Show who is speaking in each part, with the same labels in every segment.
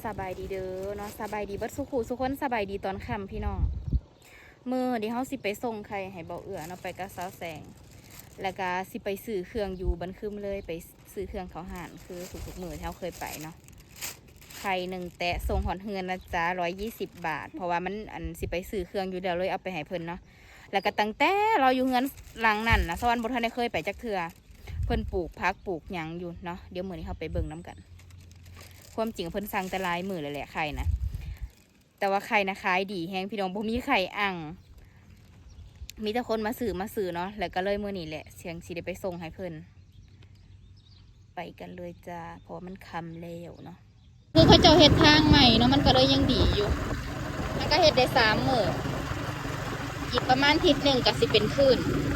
Speaker 1: สบายดีเด้อเนาะสบายดีเบิดสุขุสุขคนสบายดีตอนค่ำพี่น้องมื้อเดี๋ยวเฮาสิไปส่งไข่ให้เบาเอื้อเนาะไปกับสาวแสงแล้วก็สิไปซื้อเครื่องอยู่บันคึมเลยไปซื้อเครื่องเขาห่านคือทุกๆมื้อที่เฮาเคยไปเนาะไข่1แตะส่งหอนเฮือนนะจ๊ะ120 บาทเพราะว่ามันสิไปซื้อเครื่องอยู่เดี๋ยวเลยเอาไปให้เพิ่นเนาะแล้วก็ตั้งแต่เราอยู่เฮือนหลังนั่นนะสวรรค์บ่ทันได้เคยไปจักเทื่อเพิ่นปลูกผักปลูกหยังอยู่เนาะเดี๋ยวมื้อนี้เฮาไปเบิ่งนํกันความจริงเพิ่นสั่งแต่ลายมือเลยแหละไข่นะแต่ว่าไข่นะขายดีแฮงพี่น้องบ่มีไข่อ่างมีแต่คนมาซื้อเนาะแล้วก็เลยมื้อนี้แหละเสียงสิได้ไปส่งให้เพิ่นไปกันเลยจ้าเพราะว่ามันค่ำแล้วเนาะคือเขาเจ้าเฮ็ดทางใหม่เนาะมันก็เลยยังดีอยู่มันก็เฮ็ดได้3 มื้ออีกประมาณอาทิตย์หนึ่งก็สิเป็นคลื่น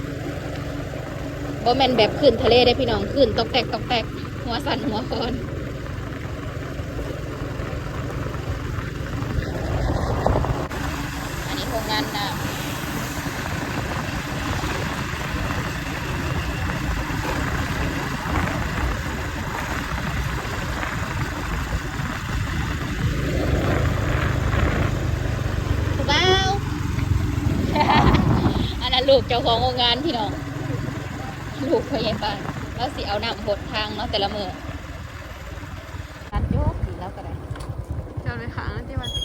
Speaker 1: บ่แม่นแบบคลื่นทะเลได้พี่น้องคลื่นตอกแตกตอกแตกหัวสั่นหัวคอนอันนี้โรงงานน้ำถูกเปล่า อันนั้นลูกเจ้าของโรงงานพี่น้องลูกพยาบาลแล้วสิเอาน้ำหดทางเนาะแต่ละมือตัดโยกดีแล้วก็ได้เจ้าเลยค่ะที่มัน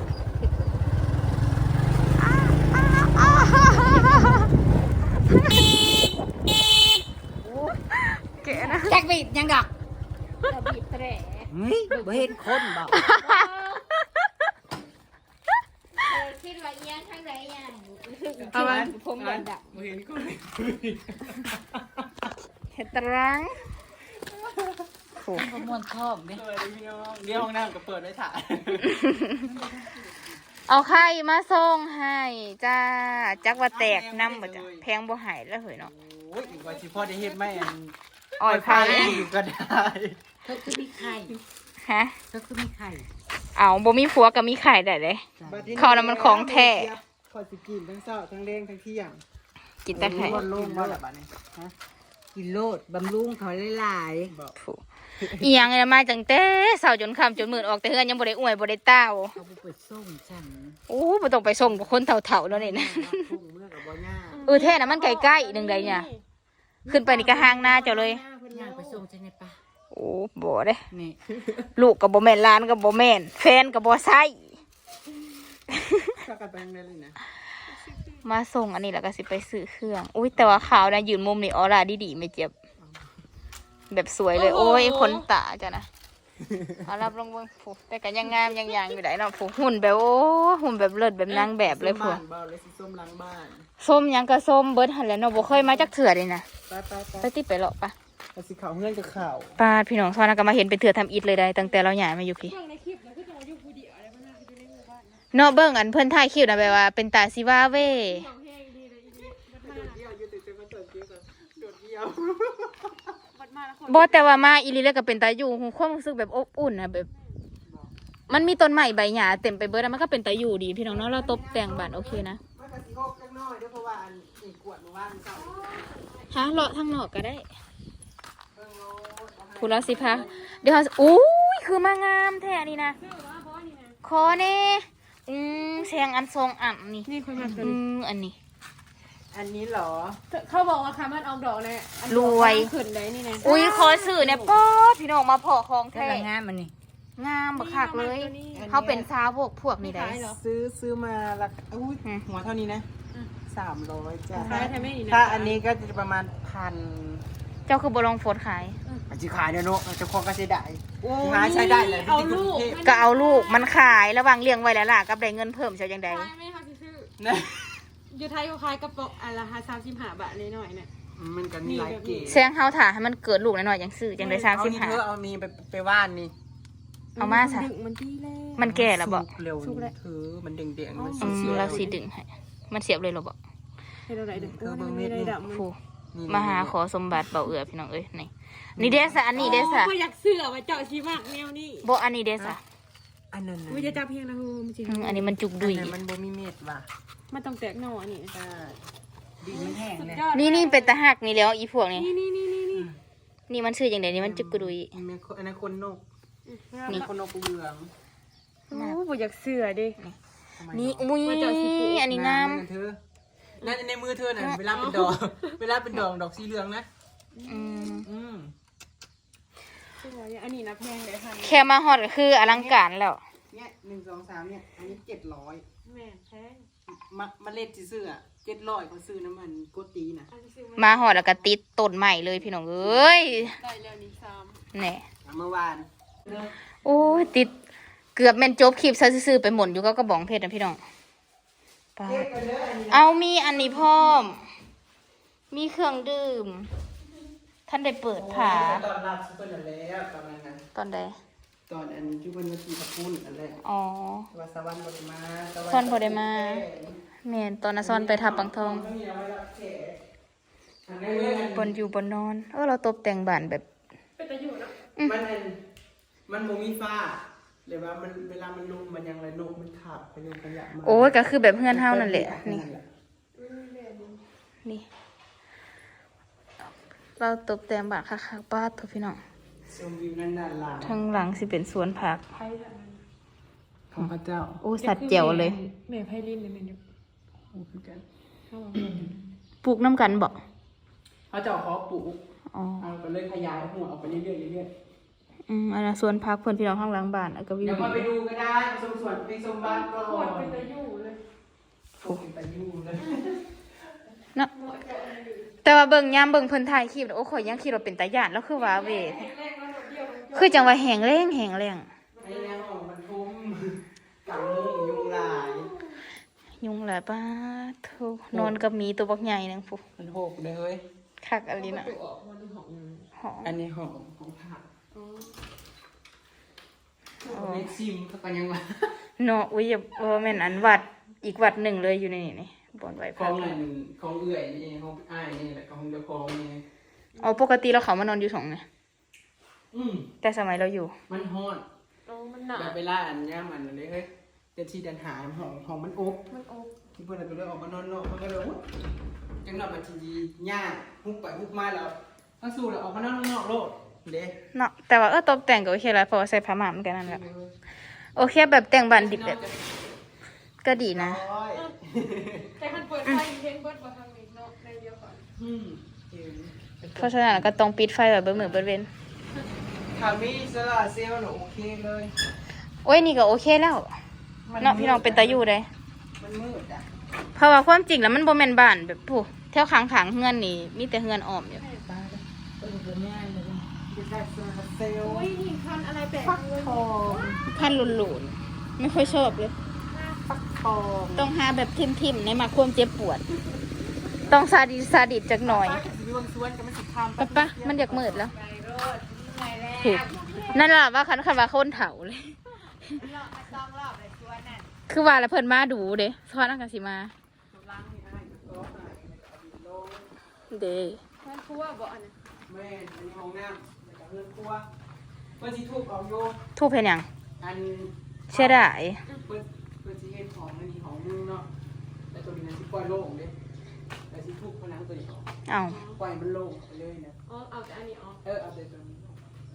Speaker 1: เก๋นะแจ็คบีดยังดอกจะบีดแตร่
Speaker 2: บ่เห็นคนบอก
Speaker 1: คิดว่าเอียงข้างใดยัง
Speaker 2: เอาไว้
Speaker 1: ผมเหมือนดับ
Speaker 2: บ่เห็นคน
Speaker 1: เห็ดตรังโอ้
Speaker 2: มวนชอบดิเดี๋ยวห้องน้ำก็เปิดไว้ถ่าย
Speaker 1: เอาไข่มาส่งให้จ้าจักว่าแตกน้ำบ่จ้ะแพงบ่หายแล้วเหยเนาะ
Speaker 2: โอ้ยอีกว่าสิพ่อได้เฮ็ดไหม
Speaker 1: อ่อยไผ่
Speaker 2: อยู่ก็ได้
Speaker 3: เธอคือมีไข่
Speaker 1: ฮะ
Speaker 3: เธอคือมีไข่
Speaker 1: เอาบ่มีผัวก็มีไข่ได้เลยเขาน่ะมันของแท้
Speaker 2: พอสิกินทั้งเช้าทั้งแรงทั้งเที่ยง
Speaker 1: กินแต่ไข่
Speaker 2: ลดลงบ่ล่ะบัดนี้ฮะ
Speaker 3: กินโลดบำรุงเขาหลาย
Speaker 1: ถูกอีหยังเนี่ยมาจังแต่เช้าจนค่ำจนมืดออกแต่เฮือนยังบ่ได้อวยบ่ได้เต้า
Speaker 3: ๆเขาไปส่งฉัน
Speaker 1: โอ้บ่ต้องไปส่งกับคนเฒ่าๆแล้วนี่นะ
Speaker 3: พุ่งเมื่อกับบ่ย่า
Speaker 1: แท้น่ะมันใกล้ๆนึงใดเนี่ยขึ้นไปนี่ก็ห่างหน้าเจ้าเลย
Speaker 3: ย่างไปส่งฉันในป่า
Speaker 1: โอ้บ่เด้
Speaker 3: นี่
Speaker 1: ลูกก็บ่แม่นหลานก็บ่แม่นแฟนก็บ่ใช่
Speaker 2: ถ้ากันไปได้เลยนะ
Speaker 1: มาส่งอันนี้แล้วก็สิไปซื้อเครื่องอุ้ยแต่ว่าขาวนะยืนมุมนี่ออร่าดีๆไม่เจ็บแบบสวยเลยโอ้ยขนตาจ้ะนะเอารับลงเบิ่งผู้แต่ก็ยังงามยังอยู่ได้เนาะผู้หุ่นแบบโอ้หุ่นแบบเลิศแบบนางแบบเลยผู้
Speaker 2: ส้มหลังบ้าน
Speaker 1: ส้มยังก็ส้มเบิดหั่นแหละเนาะบ่เคยมาจักเทื่อเลยนะไปติไปเลาะปะ
Speaker 2: ไปสิขาวเฮือนกับข่าว
Speaker 1: ป้าพี่น้องซ้อนก็มาเห็นเป็นเทื่อทำอิฐเลยได้ตั้งแต่เราย้ายมาอยู่พี่เนาะเบิ่งอันเพิ่นถ่ายคลิปนะแบบว่าเป็นตาซิว่าเว้บ่แต่ว่ามาอีหลีแล้วก็เป็นตาอยู่ความรู้สึกแบบอบอุ่นนะแบบมันมีต้นไม้ใบหญ้าเต็มไปเบิดแล้วมันก็เป็นตาอยู่ดีพี่น้องเนาะเราตบแต่งบ้านโอเคนะฮะเลาะทางนอกก็ได้ผู้ละสิพาเดี๋ยวอุ้ยคือมางามแท้นี่นะคอเน่แซงอันทรงอ่ำนี่
Speaker 2: คนมา
Speaker 1: อันนี้
Speaker 2: เหรอ
Speaker 4: เขาบอกว่าคำมันออกดอกเนี่ย
Speaker 1: รวย
Speaker 4: ขึ้นได้นี่นะ
Speaker 1: อุ้ยขอสื่อเนี่ยป๊อดพี่น้องมาพอของแท้
Speaker 3: งามมันนี่
Speaker 1: งามบักคักเลยเขาเป็นซาวพวกนี่ได้
Speaker 2: ซื้อมาละอุ้ยหัวเท่านี้นะ300จ้ะ
Speaker 4: ถ้า
Speaker 2: อันนี้ก็จะประมาณ1,000
Speaker 1: เจ้าคือบลองโฟดขาย
Speaker 2: จะขายเนาะจะคงก็ใช้ได้หาใช้ได้เลย
Speaker 4: เอาลูก
Speaker 1: ก็เอาลูกมันขายระหว่างเลี้ยงไว้แล้วล่ะกับได้เงินเพิ่มเชียวยังไง
Speaker 4: ไม่ค่ะชื่ออยู่ไทยเขาขายกระป๋องละ35 บาทเลยหน่อยเนี่ย
Speaker 2: มันก็มีหลายเกรด
Speaker 1: แซงเฮาถ่าให้มันเกิดลูกหน่อยๆยังซื้อยังได้35
Speaker 2: เอามีไปว่านนี่
Speaker 1: เอามาซะ
Speaker 4: มันดีแล้ว
Speaker 1: มันแก่แล้วบ่
Speaker 2: เร็วมันแดงๆมัน
Speaker 1: เราสิดึงให้มันเสียบเลยหรอบ่
Speaker 4: ให้เราได้ดำ
Speaker 1: มาหาขอสมบัติเบาเอือพี่น้องเอ้ยนี่เดซ่าอันนี้เดซ่า
Speaker 4: อยากเสื้อมาเจาะชีมากแนวนี้
Speaker 1: บ่อันนี้เดซ่า
Speaker 2: อันนั้น
Speaker 4: วิจะจับเพียงนะฮูมจริง
Speaker 1: อันนี้มันจุกดุย
Speaker 2: มันบ่มีเม็ดว่ะ
Speaker 4: มันต้องแตกหน่อนี่
Speaker 2: ดินมันแห้ง
Speaker 1: เลยนี่เป็นตะหักนี่แล้วอีพวกนี้นี่มันชื่ออย่างเดียวนี่มันจุกดุย
Speaker 2: อันนั้นคนนกนี่คนนกเหลือง
Speaker 4: บ่อยากเสือดิ
Speaker 2: ทำไม
Speaker 1: นี่
Speaker 2: ดอก
Speaker 1: อุ้ย
Speaker 4: ว่าจะสิปลูก
Speaker 1: อันนี้งาม
Speaker 2: เหอนเธอนั่นในมือเธอน่ะเวลาเป็นดอก เวลาเป็นดอกสีเหลืองนะ
Speaker 1: อืม
Speaker 2: อืม
Speaker 4: สวยอันนี้นะแพงเลยค่ะ
Speaker 1: แค่มาฮอดก็คืออลังการแล้ว
Speaker 2: เนี่ย1 2 3เนี่ยอันนี้700
Speaker 4: แม่แพง
Speaker 2: มาเล็ดซื้ออ่ะ700เขาซื้อน้ำมันโกตีนะ
Speaker 4: อันนี้ซื้อ
Speaker 1: มาฮอดแล้วก็ติดต้นใหม่เลยพี่น้องเอ้ย
Speaker 4: ได้แล้วนี่3
Speaker 1: แหน่
Speaker 2: เมื่อวาน
Speaker 1: โอ้ยติดเกือบแม่นจบคลิปซะซื่อๆไปหม่นอยู่ก็กระบองเพชรนะพี่น้องปาดเอามีอันนี้พร้อม มีเครื่องดื่ม ท่านได้เปิดผา
Speaker 2: ตอนรับซุปเปอร์นั่นแล้วตอนนั้นนะ
Speaker 1: ตอนใด
Speaker 2: ตอนอันที่วันมากีขับปุ้นอันแรก
Speaker 1: อ๋อ
Speaker 2: ว่าสวรรค์บไดมา
Speaker 1: ซ่อนบ่ได้มา แม่นตอนน่ะซ่อนไปทับปังทอง
Speaker 2: ไม่มีเอาไว้รับแขกอันนี้
Speaker 1: บนอยู่บนนอน เราตกแต่งบ้านแบบ
Speaker 4: เป็นตะอยู่เนาะ
Speaker 2: มันโมมีฟ้าหรือว่ามันเวลามันลมมันยังไรนกมันขับขยงขยะมา
Speaker 1: โอ้ยก็คือแบบเฮือนเฮานั่นแหละ นี่ นี่ เราตกแต่งบ้านคักๆป้าดทุกพี่น้อง
Speaker 2: ชมวิวนั่นด้านหลัง
Speaker 1: ทางหลังสิเป็นสวนผัก
Speaker 4: ไพ่ทางนั้น
Speaker 2: ของพระเจ้า
Speaker 1: โอ้สัตว์เจียวเลย
Speaker 4: แม่ไพ่ลิ้นเลยแม่อยู่
Speaker 2: โอ้คือกัน
Speaker 4: เข้ามาแม่อยู่
Speaker 1: ปลูกน้ำกันบ่
Speaker 2: พระเจ้าขอปลูก
Speaker 1: อ๋อ
Speaker 2: เอาไปเลยขยายหัวออกไปเรื่อยๆเรื่อย
Speaker 1: อันนั้นสวนผักเพื่อนพี่น้องข้างหลังบ้านแล้วก็
Speaker 2: ๆ
Speaker 1: วิว
Speaker 2: เดี๋ยว
Speaker 1: ดี
Speaker 2: มาไปดูก็ได้ไปชมสวนไปชมบ้านก่
Speaker 4: ขว
Speaker 2: อ
Speaker 4: ด
Speaker 2: น
Speaker 4: เป็นตะอยู่เลย
Speaker 2: โอ้เป็นตายุ่งเลย
Speaker 1: เนาะแต่ว่าเบิ่งยามเบิ่งเพิ่นถ่ายคลิปโอ้ข่อยยังคิดว่าเป็นตาย่านแล้วคือว่าเวท
Speaker 4: แรกแล้วเดียว
Speaker 1: คือจังว่าแหงแรงแหงแรง
Speaker 2: ไอ้เนี่ยของมันทุ่มกังมุงยุงลาย
Speaker 1: ยุงหลายป้าโธ่นอนกับหมีตัวบักใหญ่นึงพุ
Speaker 2: มันหกเลยเฮ้ย
Speaker 1: คักอันนี้น่ะ
Speaker 4: ตัวออกมาดูของ
Speaker 1: หอม
Speaker 2: อันนี้ของผัก
Speaker 1: อ๋อ
Speaker 2: เม็ดซิมเขาก็ยังว่า
Speaker 1: เนาะอุ้ยอย่าบ่แม่นอันวัดอีกวัดหนึ่งเลยอยู่ในนี่บ่อนไว้
Speaker 2: ข
Speaker 1: พั
Speaker 2: อก งอะไรของเอื่อยนี่ของอ้ายนี่แหละของเจ้าของนี่
Speaker 1: เอาปกติเราเขามานอนอยู่สองไง
Speaker 2: อืม
Speaker 1: แต่สมัยเราอยู่
Speaker 2: มันฮ้อน
Speaker 4: โอ้มันหนา
Speaker 2: แบบเวลาอันย่ามันเลยเฮ้ยเดินที่เดินหาห้องมันอบ
Speaker 4: มันอบ
Speaker 2: ที่เพื่อนก็เลยออกมานอนนอกมันก็เลยจังหวะมันทีย่าฮุบไปฮุบมาแล้วถ้าสู้แล้วออกมานอนข้างนอกโลดเด้
Speaker 1: เนาะแต่ว่าตกแต่งก็โอเคแล้วเพราะว่าใส่ผ้าม่านเหมือนกันนั่นแหละโอเคแบบแต่งบ้านดิบแบบก็ดีนะ
Speaker 2: ร้อย
Speaker 4: แต่มันเปิดไฟเห็นเบิดมาทางนี้เนาะในเดียวก่อน
Speaker 2: อืมเห็น
Speaker 1: เพราะฉะนั้นก็ต้องปิดไฟไว้เบิดมื้อเบิดเว้น
Speaker 2: ข่าวมีสลาเซลล์หนูโอเคเลย
Speaker 1: โอ้ยนี่ก็โอเคแล้วเนาะพี่น้องเป็นตาอยู่ได้
Speaker 2: มันมืดอ่ะ
Speaker 1: เพราะว่าความจริงแล้วมันบ่แม่นบ้านแบบผู้แถวข้างๆเฮือนนี่มีแต่เฮือนอ้อมอยู่
Speaker 2: ตายแล้วเป็นแบบง่ายเลยจะได้โซลาเซลล์
Speaker 4: โอ้ยนี่คันอะไรแปลกเลย
Speaker 2: ทอง
Speaker 1: พันหลุนๆไม่ค่อยชอบเลย
Speaker 2: ฟักทอง
Speaker 1: ต้องหาแบบทิมๆในมาความเจ็บปวด ต้องซาดิสจักหน่อย
Speaker 2: ดวงสวนกับมันสิทำ
Speaker 1: ปะมันอยากมืดแล้วถูกนั่นล่ะว่าคันว่าคนเถาเลย คือว่าแล้วเพิ่นมาดูเด้ซ้อนอังกะสิมา เด้
Speaker 4: มันคือว่าบ่อันนั้น
Speaker 2: แม่อันนี้ห้องน้ำแล้วก็เรือนครัวเพื่อนที่ทุบเอาโย
Speaker 1: ทูบเห็นหยัง
Speaker 2: อัน
Speaker 1: เชื่อได้
Speaker 2: เพื่อนที่เฮ็ดของอันนี้ของนึงเนาะแต่ตัวนี้มันสิปล่อยโล่งเด้แต่สิทุบผนังตัวนี้ออก
Speaker 1: เอ้า
Speaker 2: ปล่อยมันโล่งไปเลยนะ
Speaker 4: อ๋อเอาแต่อันนี้ออก
Speaker 2: เอาแต่ตัวนี้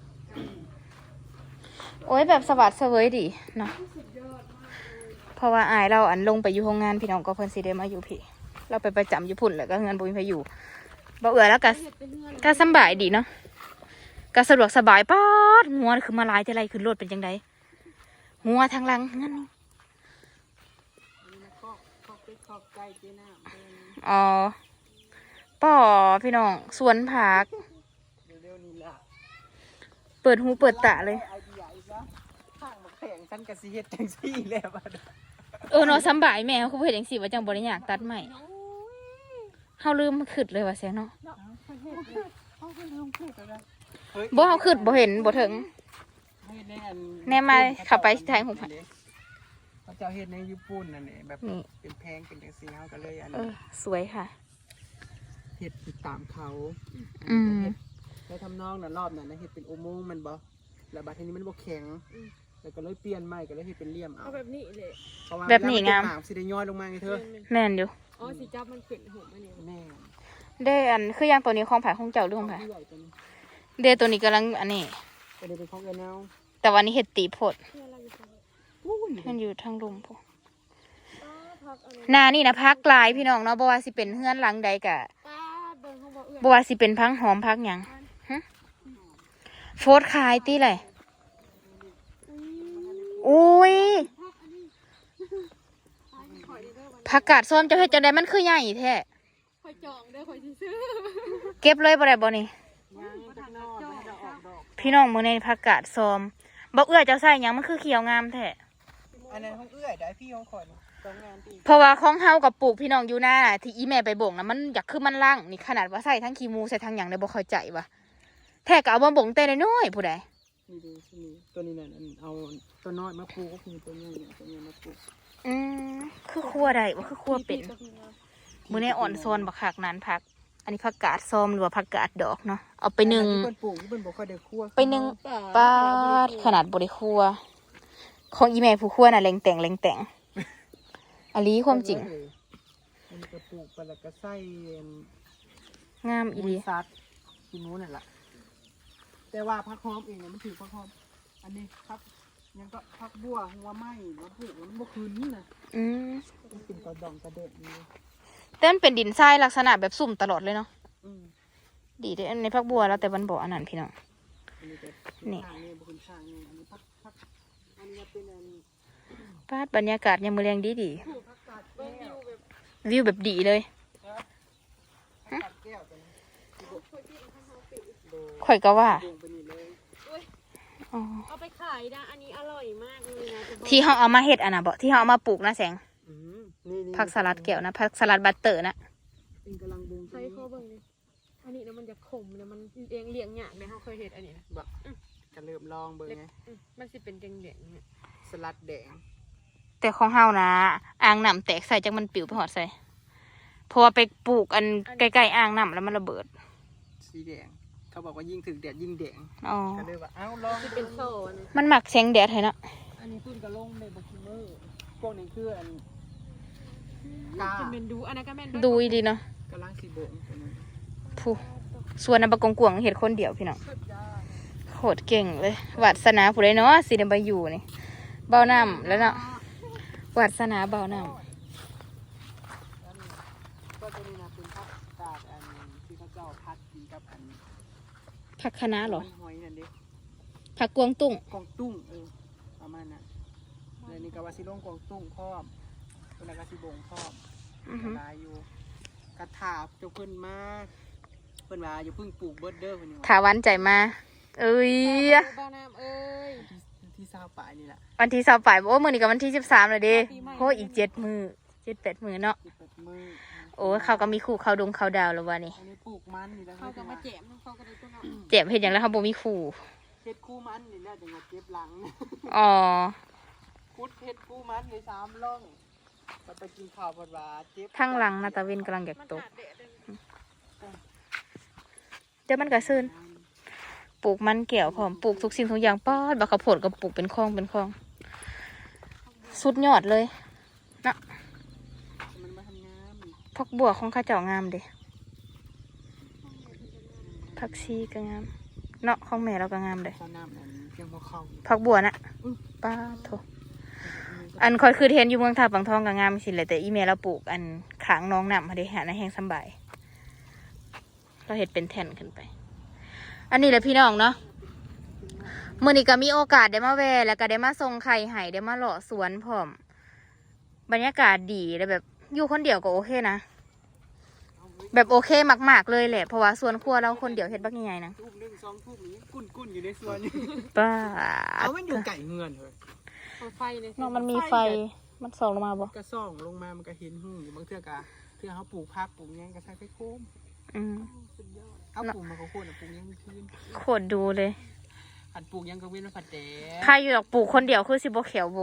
Speaker 1: โอ้ยแบบสวัสดเสวยดีเนาะ
Speaker 4: สุดยอดมากเลย
Speaker 1: เพราะว่าอายเราอันลงไปอยู่โรงงานพี่น้องก็เพิ่นสิได้มาอยู่พี่ เราไปประจำอยู่พุ่นแล้วก็เงินบ่มีไผอยู่บ่เอื้อแล้วก็
Speaker 4: เห็ดเป็นเงื่อน
Speaker 1: ก็สำบายดีเนาะก็สะดวกสบายป๊อดงัวคือมาหลายแต่ไรขึ้นรถเป็นจังไดงัวทางหลังงั้น
Speaker 2: อันนี้นะก็เป็นขอบไก่เจ้น้ำเพิ่น
Speaker 1: อ๋อป่อพี่น้องสวนผัก
Speaker 2: เร็วๆนี้ล่ะ
Speaker 1: เปิดหูเปิดตาเลย
Speaker 2: ไอเดียอีกแล้วข้างมาแข่งฉันกับซีเฮ็ดจังซี่แล้วบัด
Speaker 1: เนาะสำบายแม่เขาคือเฮ็ดจังซี่ว่าจังบ่ได้อยากตัดใหม่เฮาลืมขึ้นเลยว่าแซงเนาะ
Speaker 2: เขาเป็นลุงพูดแล้วนะ
Speaker 1: บ่เฮาขึ้นบ่เห็นบ่ถึง
Speaker 2: เฮ็ดในอัน
Speaker 1: แน่มาเข้าไปถ่ายรูปให้
Speaker 2: เขาเจ้าเฮ็ดในญี่ปุ่นนั่นแหละแบบ
Speaker 1: นี่
Speaker 2: เป็นแพงเป็นจังซี่เฮาก็เลยอัน
Speaker 1: สวยค่ะ
Speaker 2: เฮ็ดตามเขา
Speaker 1: อืม
Speaker 2: แล้วทำนองนั้นรอบนั้นนะเฮ็ดเป็นอุโมงค์มันบ่แล้วบัดทีนี้มันบ่แข็งแล้วก็เลยเปลี่ยนใหม่ก็เลยเฮ็ดเป็นเหลี่ยมเอา
Speaker 4: เอาแบบนี้เลย
Speaker 2: เพราะว่า
Speaker 1: แบบนี้งาม
Speaker 2: เวลนตกน้ำสิได้ย้อยลงมาไงเธอ
Speaker 1: แม่นอยู่
Speaker 4: อ๋อสีจับมันขึ้นหัวมันนี่
Speaker 2: แม่
Speaker 1: ได้อันคืออย่างตัวนี้ของผาของเจ้าหรือของผา
Speaker 2: เลื่อยตัวนี้
Speaker 1: เดตัวนี้กำลังอันนี้
Speaker 2: ก็เลยเป็นของเอ็นเอา
Speaker 1: แต่วันนี้เฮ็ดตีโพด
Speaker 4: เพื่ออะไรอยู่ตรงนี้
Speaker 2: อู้น
Speaker 1: มันอยู่ทางลุมพวก
Speaker 4: พักอันนี้
Speaker 1: นานี่นะพักหลายพี่น้องเนาะบ่ว่าสิเป็นเฮือนหลังใดกะ
Speaker 4: ป้าเบิ่งเขาบอกเอื้อ
Speaker 1: บ่ว่าสิเป็นพังหอมพักหยังฮะโฟดขายตีเลยอุ้ย
Speaker 4: ข่อยเด้อวัน
Speaker 1: ผักกาดส้มจะเฮ็ดจังไดมันคือใหญ่แท้
Speaker 4: ข่อยจองเด้อข่อยสิซื้อ
Speaker 1: เก็บเลยบ่ได้บ่นี่
Speaker 2: ยังจักหนอไม่ได้ออกดอก
Speaker 1: พี่น้องมื้อนี้ผักกาดส้มบ่เอื้อเจ้าใส่หยังมันคือเขียวงามแท้
Speaker 2: อันนั้นของเอื้อยได้พี่ของข่อยนี่สองงานพี่
Speaker 1: เพราะว่าของเฮากับปลูกพี่น้องอยู่หน้าที่อีแม่ไปบ่งนะมันอยากคือมันล่างนี่ขนาดว่าใส่ทั้งขี้หมูใส่ทั้งหยังได้บ่เข้าใจว่ะแท้ก็เอามาบ่งแต่น้อยๆผู้ใด
Speaker 2: นี่ดูที่นี่ตัวนี้น่ะอันเอาตัวน้อยมาปลูกก็คือตัวใหญ่เนี่ยตัวใหญ่มาปลูก
Speaker 1: อืมคือครัวได้บ่คือครัวเป็นมื้อนี้อ่อนโซนบักคักนั้นผัก อันนี้ผักกาดส้มหรือว่าผักกาดดอกเนาะเอาไปนึ่ง
Speaker 2: ที่เพิ่นปลูกที่เพิ่นบ่ค่อยได้คั่ว
Speaker 1: ไปนึ่งปาดขนาดบ่ได้ครัว ของอีแม่ผู้ครัวน่ะแรงแต่งอันนี้ความจริง
Speaker 2: มันก็ปลูกไปแล้วก็ใส่
Speaker 1: งามอีหลี
Speaker 2: ซัดกินนู้นนั่นแหละแต่ว่าพักหอมเองเนี่ยมันถือพักหอมอันนี้พักยังก็พักบัวหัวไหม้มาปลูกแล้วมันบ่คืนนี่นะ
Speaker 1: อืม
Speaker 2: มันเป็นกระดองกระเด็ดนี่
Speaker 1: แต่มันเป็นดินทรายลักษณะแบบสุ่มตลอดเลยเนาะ
Speaker 2: อืม
Speaker 1: ดีเด้ในผักบัวแล้วแต่มันบ่อันนั้นพี่น้อง
Speaker 2: อันนี้ก็
Speaker 1: นี่
Speaker 2: ข้างนี่บ่คืนข้างนี่อันนี้พักอันนี้เป็นอัน
Speaker 1: ปาดบรรยากาศยามมื้อแลงดี
Speaker 2: พักกาด
Speaker 4: เบิ่ง
Speaker 2: แก้
Speaker 4: อ
Speaker 2: ว
Speaker 4: ยู่แบบ
Speaker 1: วิวแบบดีเลย
Speaker 2: พักกาดแก้วตัวนี้
Speaker 1: ข่อยก็ว่า
Speaker 2: ลงไปนี่เลย
Speaker 1: อ๋อ
Speaker 4: เอาไปขายนะอันนี้อร่อยมากเลยนะจะบอก
Speaker 1: ที่เฮาเอามาเฮ็ดอันน่ะบ่ที่เฮาเอามาปลูกนะแสง
Speaker 2: อืมนี่
Speaker 1: ผักสลัดแก้วนะผักสลัดบัตเตอร์นะ
Speaker 2: เป็นกำลังบง
Speaker 4: ใช้ข้อเบิ่งนี่อันนี้นะมันจะขมนะมันเลี้ยงยากเนี่ยเขาเคยเห็นอันนี้นะ
Speaker 2: บ่ก็เริ่มลองเบิ่งไง
Speaker 4: มันสิเป็นแดงๆเนี่ย
Speaker 2: สลัดแดง
Speaker 1: แต่ของเฮานะอ่างน้ำแตกใส่จังมันปิวไปหอดใส่เพราะว่าไปปลูกอันใกล้ๆอ่างน้ำแล้วมันระเบิด
Speaker 2: สีแดงเขาบอกว่ายิ่งถึงแดดยิ่งแดง
Speaker 1: อ๋อ
Speaker 2: ก็เลยว่าเอ้าลอง
Speaker 4: สิเป็นโซ่นะ
Speaker 1: มันหมักแสงแดดให้เนาะ
Speaker 2: อันนี้ขึ้นกระลงในบักคิมเมอร์พวกนี้คืออันกา
Speaker 4: จะเป็นดูอันนั้นก็แม่น
Speaker 1: ดูดีเนาะ
Speaker 2: กำลังสีโบงตัวนี้
Speaker 1: ผู้ส่วนอันบะกงกวางเห็ดคนเดียวพี่น้องโคตรเก่งเลยวาสนาผู้ใดเนาะสิได้มาอยู่นี่เบาน้ำแล้วเนาะวาสนาเบาน้
Speaker 2: ก็ตัวนี้นะเป็นผักกาดอันที่เขาเจ้าพัดกินกับอัน
Speaker 1: ำผักคะน้าเหรอ
Speaker 2: หอยนั่นเด้
Speaker 1: ผักกวางตุ้ง
Speaker 2: กวางตุ้งประมาณนั้นแล้วนี่ก็ว่าสิลงกวางตุ้งพร้อมตัวนั้นก็สิโบงพร้อม
Speaker 1: อือหือ
Speaker 2: ลายอยู่กระถาบเจ้าเพิ่นมาเพิ่นว่าอยู่เพิ่งปลูกเบิร์ดเด้อเพิ่นว่า
Speaker 1: ขาวันใจมา เอ้ย
Speaker 4: บ้านน้ำเอ้ย
Speaker 2: ที่ซาวป่ายนี่แหละ
Speaker 1: วันที่20ปลายโอ้มื้อนี้ก็วันที่13แล้วเด้โหอีก7 มื้อ7-8 มื้อเนาะ
Speaker 2: ที่เปิดมือ
Speaker 1: โอ้ยเขาก็มีคู่เขาดงเขาดาวแล้ววะนี่
Speaker 2: อันนี้ปลูกมันนี่แล้ว
Speaker 4: เขาก็มาแจมเขาก็ได้ตัวเนาะ
Speaker 1: เจ็บเห็นอย่างแล้วเขาบ่มีคู่
Speaker 2: เฮ็ดคู่มันนี่แหละจังหวัดเจ็บหลัง
Speaker 1: อ๋อ
Speaker 2: คุดเฮ็ดคู่มันใน3ร่องก็ไปกินข้าวบดว่าเจ็บ
Speaker 1: ข้างหลังนาตาเวนกำลังอยาก
Speaker 4: มัน
Speaker 1: ตก
Speaker 4: ขาดแดดเลย
Speaker 1: เดี๋ยวมันก็ซื่นปลูกมันเกี่ยวพร้อมปลูกทุกสิ่งทุกอย่างป้อดบักข้าวโพดก็ปลูกเป็นคลองสุดยอดเลยเนาะ
Speaker 2: มันมาทำงาน
Speaker 1: ผักบัวของข้าเจ้างามเด้ผักชีก็งามเนาะของแม่เราก็งามเด้
Speaker 2: ข้าวน้ำนั่นเพียงพอเข้า
Speaker 1: ผักบัวน่ะป้าโถอันคอยคือเทนอยู่เมืองท่าปังทองก็งามสิเลยแต่อีเมลเราปลูกอันขางน้องน้ำมาได้หาในแห้งสำบายเราเห็ดเป็นแท่นขึ้นไป อันนี้แหละพี่น้องเนาะมื้อนี้ก็มีโอกาสได้มาแวะแล้วก็ได้มาส่งไข่ไห่ได้มาเลาะสวนพร้อมบรรยากาศดีแล้วแบบอยู่คนเดียวก็โอเคนะแบบโอเคมากๆเลยแหละเพราะว่าสวนครัวเราคนเดียวเฮ็ดบักใหญ่ๆนะ
Speaker 2: ทุ่มหนึ่งสองทุ่มนี้กุ้นอยู่ในสวนนี่
Speaker 1: ป้า
Speaker 2: เอามันอยู่ไก่เงินเลย
Speaker 4: เอาไฟเลย
Speaker 1: น้องมันมีไฟมันส่องลงมาบ่
Speaker 2: ก็ส่องลงมามันก็เห็นหูอยู่บางเทื่อกะเทื่อเขาปลูกผักปลูกหยังก็ใส่ไฟโคม
Speaker 1: อืม
Speaker 2: สุดยอดเอาปลูกมาเขาโค่นปลูกหยังมีคืน
Speaker 1: โคตรดูเลย
Speaker 2: ผัดปลูกหยังก็เว้นว่าผัดแดด
Speaker 1: ใครอยู่ดอกปลูกคนเดียวคือสิบ่เขียวโบ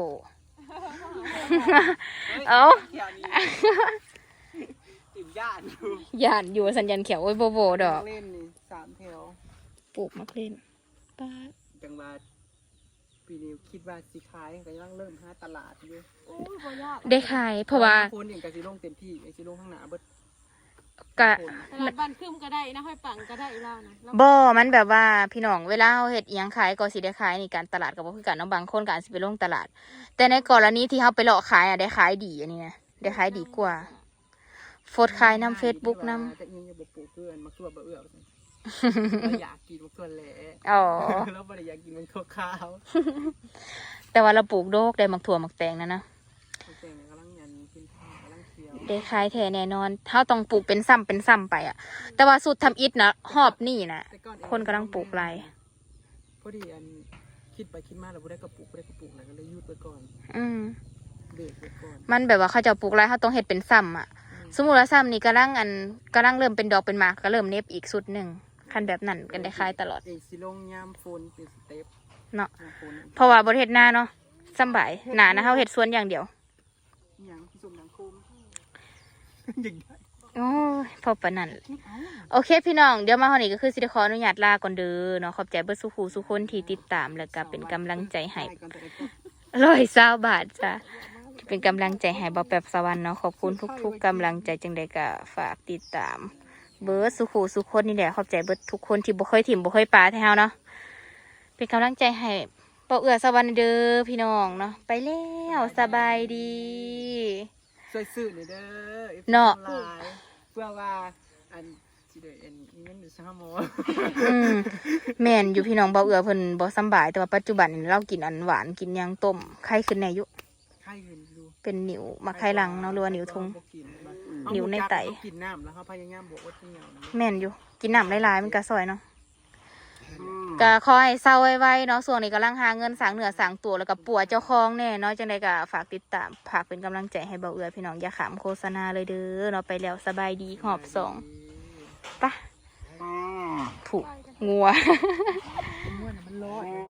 Speaker 1: เอ้า
Speaker 2: เที่ยวนี้ติ่มย่านอยู่
Speaker 1: ย่านอยู่สัญญาณเขียวโอ้ยโบโบดอก
Speaker 2: เล่นนี่3แถว
Speaker 1: ปลูกมะเขือป้าด
Speaker 2: จังหวัดปีนี้คิดว่าสิขายก็ยังเริ่มหาตลาดอยู่
Speaker 4: โอ้ยบ่ยาก
Speaker 1: ได้ขายเพราะว่า
Speaker 2: คนเองก็สิลงเต็มที่ไอ้สิลงข้างหน้าเบิด
Speaker 1: กะ
Speaker 4: ตลาดบ้านคึมก็ได้นะห้อยปังก็ได้เล่านะแล้ว
Speaker 1: บ่มันแบบว่าพี่น้องเวลาเฮาเฮ็ดอิหยังขายก็สิได้ขายนี่การตลาดก็บ่คือกันเนาะบางคนก็อาจสิไปลงตลาด แต่ในกรณีที่เฮาไปเลาะขายอ่ะได้ขายดีอันนี้นะได้ขายดีกว่าโฟดขายนำ Facebook นำ
Speaker 2: แต่ยังจะบ่ปลูกเกินมาคือว่าบ่เอื้อเราอยากกินมันเกินแหละ
Speaker 1: อ๋อ
Speaker 2: เราบ่ได้อยากกินมันขาว
Speaker 1: แต่ว่าเราปลูกโดกได้หมักถั่วหมักแตงนะ
Speaker 2: ๆแต่งกำลังยันกินข้าวกำลังเคี้ยว
Speaker 1: ได้ขายแท้แน่นอนเฮาต้องปลูกเป็นซ้ำไปอ่ะ แต่ว่าสูตรทำอิฐนะหอบนี่นะ
Speaker 2: แต่ก่อ
Speaker 1: คนกำลังปลูกไร
Speaker 2: พอดีอันคิดไปคิดมาแล้วบ่ได้กระปลูกแล้วก็เลยหยุดไว้ก่อน
Speaker 1: อืม
Speaker 2: เบรกไว้ก่อน
Speaker 1: มันแบบว่าเขาจะปลูกไรเขาต้องเฮ็ดเป็นซ้ำอ่ะ สมมุติว่าซ้ำนี่กำลังเริ่มเป็นดอกเป็นหมากก็เริ่มเน็บอีกสุดหนึ่งคันแบบนั้นกันได้ขายตลอด
Speaker 2: เอกสิลงยามฝนเป็นสเต็ป
Speaker 1: เนาะ
Speaker 2: ยามฝน
Speaker 1: เพราะว่าบริเฮ็ดหน้าเนาะสำบายหนานะเขาเฮ็ดสวนอย่างเดียว
Speaker 2: อหย่างที่สมหนังโคมอย่างได้
Speaker 1: โอ้ยพอปานนั้นโอเคพี่น้องเดี๋ยวมาเฮานี่ก็คือสิได้ขออนุญาตลาก่อนเด้อเนาะขอบใจเบิดสุขูสุคนที่ติดตามแล้วก็เป็นกำลังใจให้120 บาทจ้ะเป็นกำลังใจให้บ่แป๊บสวรรค์เนาะขอบคุณทุกๆกำลังใจจังใดก็ฝากติดตาม เบิร์ดสุขูสุคนนี่แหละขอบใจเบิร์ดทุกคนที่บ่เคยถิ่มบ่เคยปาแถวเนาะเป็นกำลังใจให้เป่าเอือสวรรค์เด้อพี่น้องเนาะไปแล้วสบายดี
Speaker 2: ช่วยซื้อหน่อยเด้อ
Speaker 1: เนาะ
Speaker 2: หลายเพื่อว่าอันสิได้อันมีเงินอยู่3หมอ
Speaker 1: แม่นอยู่พี่น้องเป่าเอือเพิ่นบ่สำบายแต่ว่าปัจจุบันนี่เรากินอันหวานกินหยังต้มไข้ขึ้นแน่อยู่
Speaker 2: ไข้เงินอยู่
Speaker 1: เป็นนิ้วมาไข้หลังเนาะหรือว่านิ้วทุง นิ้วในไต
Speaker 2: เขากินน้ำแล้วเขาพยายามบอกว่าเหนียวนะ
Speaker 1: แม่นอยู่กินน้ำหลายๆมันก็ซอยเนาะก็ขอให้เศร้าไว้ๆเนาะส่วนนี้กำลังหาเงินสร้างเนื้อสร้างตัวแล้วก็ปัวเจ้าของแน่เนาะจังใดก็ฝากติดตามฝากเป็นกำลังใจให้เบาเอือพี่น้องอย่าขำโฆษณาเลยเด้อเนาะไปแล้วสบายดีหอบสองปะผูกงัว
Speaker 2: มันร้อน